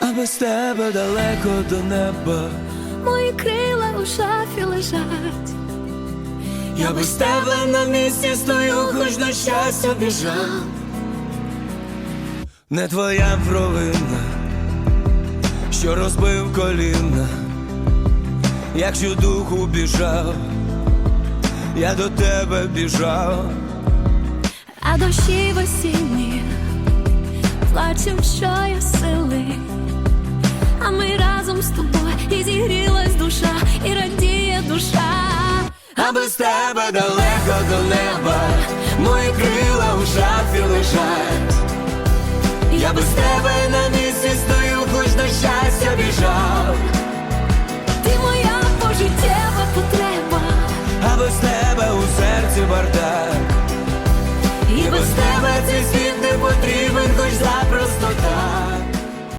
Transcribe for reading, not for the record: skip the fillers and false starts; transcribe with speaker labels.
Speaker 1: а без тебе далеко до неба.
Speaker 2: Мої крила у шафі лежать.
Speaker 1: Я без тебе на місці стою, хоч на щастя біжав. Не твоя провина, що розбив коліна. Якщо духу біжав, я до тебе біжав.
Speaker 2: А дощі в осінні плачем щосили, а ми разом з тобою, і зігрілась душа, і радіє душа.
Speaker 1: А без тебе далеко до неба, мої крила у шафі лежать. Я без тебе на